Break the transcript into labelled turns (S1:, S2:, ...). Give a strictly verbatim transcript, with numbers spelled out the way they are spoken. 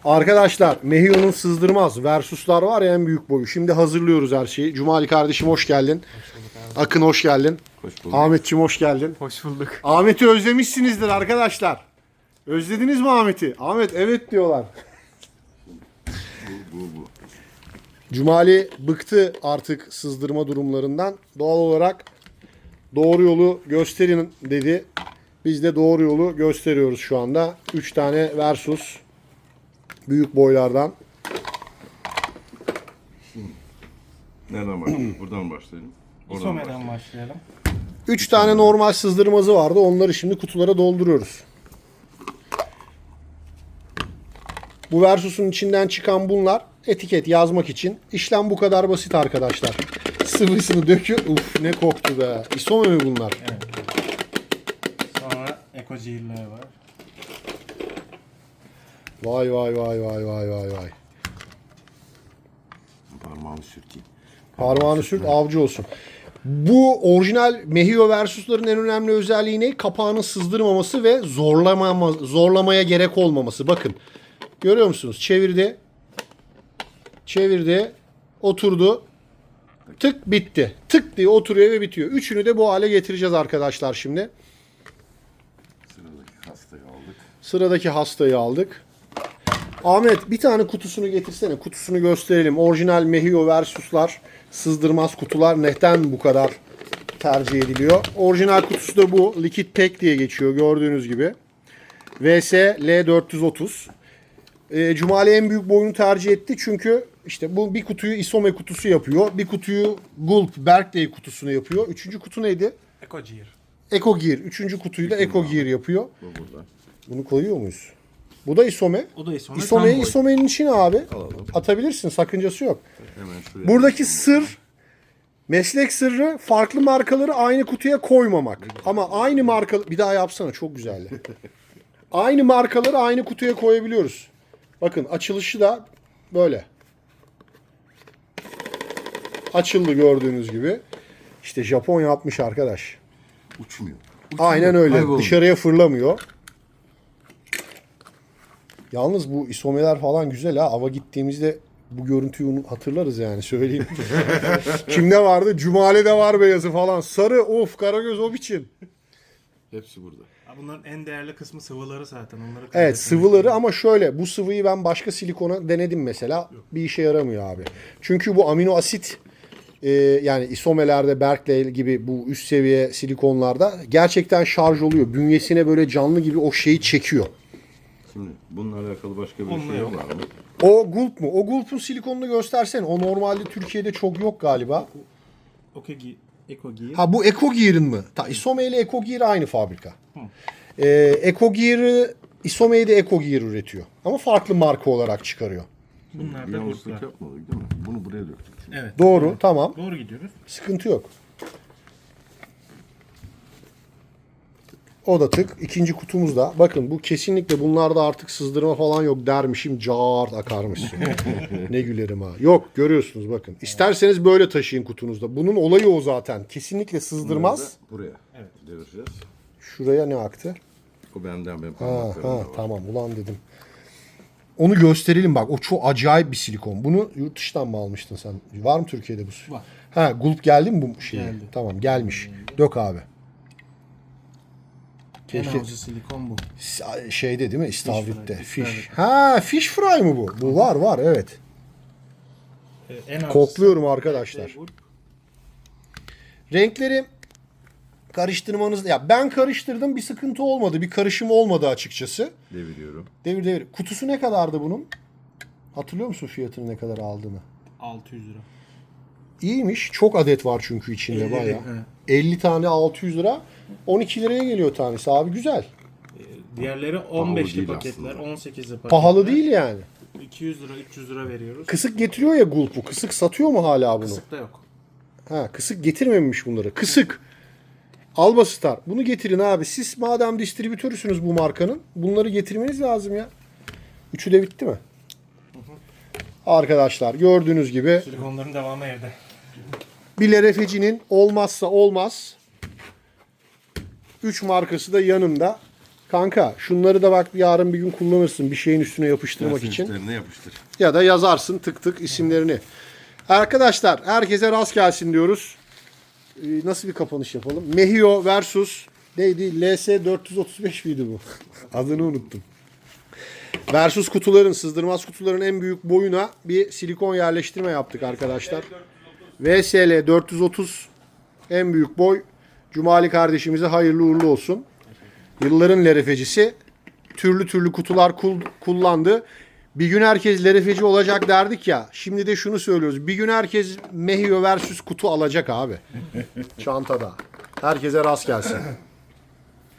S1: Arkadaşlar Mehio'nun sızdırmaz Versus'lar var ya en büyük boyu. Şimdi hazırlıyoruz her şeyi. Cumali kardeşim hoş geldin.
S2: Hoş bulduk abi.
S1: Akın hoş geldin.
S3: Hoş bulduk.
S1: Ahmetçim hoş geldin.
S2: Hoş bulduk.
S1: Ahmet'i özlemişsinizdir arkadaşlar. Özlediniz mi Ahmet'i? Ahmet evet diyorlar.
S3: Bu, bu, bu.
S1: Cumali bıktı artık sızdırma durumlarından. Doğal olarak doğru yolu gösterin dedi. Biz de doğru yolu gösteriyoruz şu anda. üç tane Versus. Büyük boylardan.
S3: Nereden başlayalım? Buradan başlayalım. Oradan
S2: İsome'den
S3: başlayalım.
S2: başlayalım.
S1: üç tane normal sızdırmazı vardı. Onları şimdi kutulara dolduruyoruz. Bu Versus'un içinden çıkan bunlar etiket yazmak için. İşlem bu kadar basit arkadaşlar. Sıvısını döküyor. Uf ne koktu be. Isome mi bunlar?
S2: Evet. Sonra Eko Cihirler var.
S1: Vay vay vay vay vay vay vay.
S3: Parmağımı sürteyim.
S1: Parmağını sürt avcı olsun. Bu orijinal Mehio Versus'ların en önemli özelliği ne? Kapağının sızdırmaması ve zorlama, zorlamaya gerek olmaması. Bakın. Görüyor musunuz? Çevirdi. Çevirdi. Oturdu. Tık bitti. Tık diye oturuyor ve bitiyor. Üçünü de bu hale getireceğiz arkadaşlar şimdi.
S3: Sıradaki hastayı aldık.
S1: Sıradaki hastayı aldık. Ahmet bir tane kutusunu getirsene. Kutusunu gösterelim. Orijinal Mehio Versus'lar sızdırmaz kutular neden bu kadar tercih ediliyor? Orijinal kutusu da bu. Liquid Pack diye geçiyor gördüğünüz gibi. V S L dört yüz otuz. E, Cumali en büyük boyunu tercih etti çünkü işte bu bir kutuyu Isome kutusu yapıyor. Bir kutuyu Gulp Berkeley kutusunu yapıyor. Üçüncü kutu neydi?
S2: Eko Cihir.
S1: Eco Gear. Üçüncü kutuyu da Eco Gear yapıyor.
S3: Bu burada.
S1: Bunu koyuyor muyuz? Bu da Isome.
S2: O da Isome.
S1: Isome'yi
S2: tam boy.
S1: Isome'nin içine abi.
S3: Alalım.
S1: Atabilirsin. Sakıncası yok.
S3: Hemen şuraya.
S1: Buradaki sır, meslek sırrı farklı markaları aynı kutuya koymamak. Ama aynı marka... Bir daha yapsana çok güzeldi. Aynı markaları aynı kutuya koyabiliyoruz. Bakın açılışı da böyle. Açıldı gördüğünüz gibi. İşte Japon yapmış arkadaş.
S3: Uçmuyor.
S1: Aynen öyle.
S3: Kaybolmuyor.
S1: Dışarıya fırlamıyor. Yalnız bu isomeler falan güzel ha. Ava gittiğimizde bu görüntüyü unut- hatırlarız yani söyleyeyim. Kimde vardı? Cumali'de var beyazı falan. Sarı of Karagöz o biçim.
S3: Hepsi burada.
S2: Ha, bunların en değerli kısmı sıvıları zaten. Onları
S1: Evet
S2: kaybetmemek
S1: sıvıları
S2: lazım.
S1: ama şöyle bu sıvıyı ben başka silikona denedim mesela. Bir işe yaramıyor abi. Çünkü bu amino asit e, yani isomelerde Berkeley gibi bu üst seviye silikonlarda gerçekten şarj oluyor. Bünyesine böyle canlı gibi o şeyi çekiyor.
S3: Şimdi bununla alakalı başka bir
S2: Onunla
S3: şey
S2: yok.
S3: var mı?
S1: O Gulp mu? O Gulp'un silikonunu göstersene. O normalde Türkiye'de çok yok galiba.
S2: Eko Gi- Eko Cihir.
S1: Ha bu Eco Gear'ın mı? Ta Isome ile Eco Gear aynı fabrika. Ee, Eco Gear'ı Isome'yi de Eco Gear üretiyor. Ama farklı marka olarak çıkarıyor.
S2: Bunlar
S3: Bir
S2: da
S3: yanlışlık
S2: Gulp'lar.
S3: yapmadık değil mi? Bunu buraya döktük. Çünkü.
S2: Evet.
S1: Doğru,
S2: Evet.
S1: tamam.
S2: Doğru gidiyoruz.
S1: Sıkıntı yok. O da tık. İkinci kutumuzda. Bakın bu kesinlikle bunlarda artık sızdırma falan yok dermişim. Cart akarmışsın. Ne gülerim ha. Yok görüyorsunuz bakın. İsterseniz böyle taşıyın kutunuzda. Bunun olayı o zaten. Kesinlikle sızdırmaz.
S3: Bunları da buraya
S2: Evet.
S3: devireceğiz.
S1: Şuraya ne aktı?
S3: O benden benim
S1: Ha,
S3: parmaklarımda
S1: ha
S3: var.
S1: tamam ulan dedim. Onu gösterelim bak. O çok acayip bir silikon. Bunu yurt dışından mı almıştın sen? Var mı Türkiye'de bu?
S2: Var.
S1: Ha Gulp geldi mi bu şey?
S2: Geldi.
S1: Tamam gelmiş. Dök abi.
S2: En
S1: Keşke
S2: avcı silikon bu.
S1: S- şeyde değil mi? İstavrit'te.
S2: fry,
S1: Fish.
S2: istavrit.
S1: Ha fish fry mı bu? Bu var var evet.
S2: Ee, en avcısı-
S1: Kokluyorum arkadaşlar.
S2: Gulp.
S1: Renkleri karıştırmanız ya ben karıştırdım bir sıkıntı olmadı. Bir karışım olmadı açıkçası.
S3: Deviriyorum.
S1: Devir devir. Kutusu ne kadardı bunun? Hatırlıyor musun fiyatını ne kadar aldığını?
S2: altı yüz lira.
S1: İyiymiş. Çok adet var çünkü içinde
S2: elli
S1: bayağı.
S2: evet.
S1: elli tane altı yüz lira. on iki liraya geliyor tanesi abi güzel.
S2: Diğerleri on beşli
S3: değil
S2: paketler,
S3: aslında.
S2: on sekizli paketler.
S1: Pahalı değil yani.
S2: iki yüz lira, üç yüz lira veriyoruz.
S1: Kısık getiriyor ya Gulp bu. Kısık satıyor mu hala bunu?
S2: Kısık da yok.
S1: Ha, kısık getirmemiş bunları. Kısık. Albastar. Bunu getirin abi. Siz madem distribütörüsünüz bu markanın bunları getirmeniz lazım ya. Üçü de bitti mi? Arkadaşlar gördüğünüz gibi
S2: Silikonların devamı evde.
S1: bir Lerefeci'nin olmazsa olmaz üç markası da yanında. Kanka şunları da bak yarın bir gün kullanırsın bir şeyin üstüne yapıştırmak
S3: Dersin
S1: için.
S3: üstlerine yapıştır.
S1: Ya da yazarsın tık tık isimlerini. Arkadaşlar herkese rast gelsin diyoruz. Ee, nasıl bir kapanış yapalım? Mehio versus neydi? L S dört yüz otuz beş miydi bu? Adını unuttum. Versus kutuların, sızdırmaz kutuların en büyük boyuna bir silikon yerleştirme yaptık arkadaşlar. V S L dört yüz otuz en büyük boy. Cumali kardeşimize hayırlı uğurlu olsun. Yılların lerefecisi. Türlü türlü kutular kul- kullandı. Bir gün herkes lerefeci olacak derdik ya. Şimdi de şunu söylüyoruz. Bir gün herkes Mehio versus kutu alacak abi. Çantada. Herkese rast gelsin.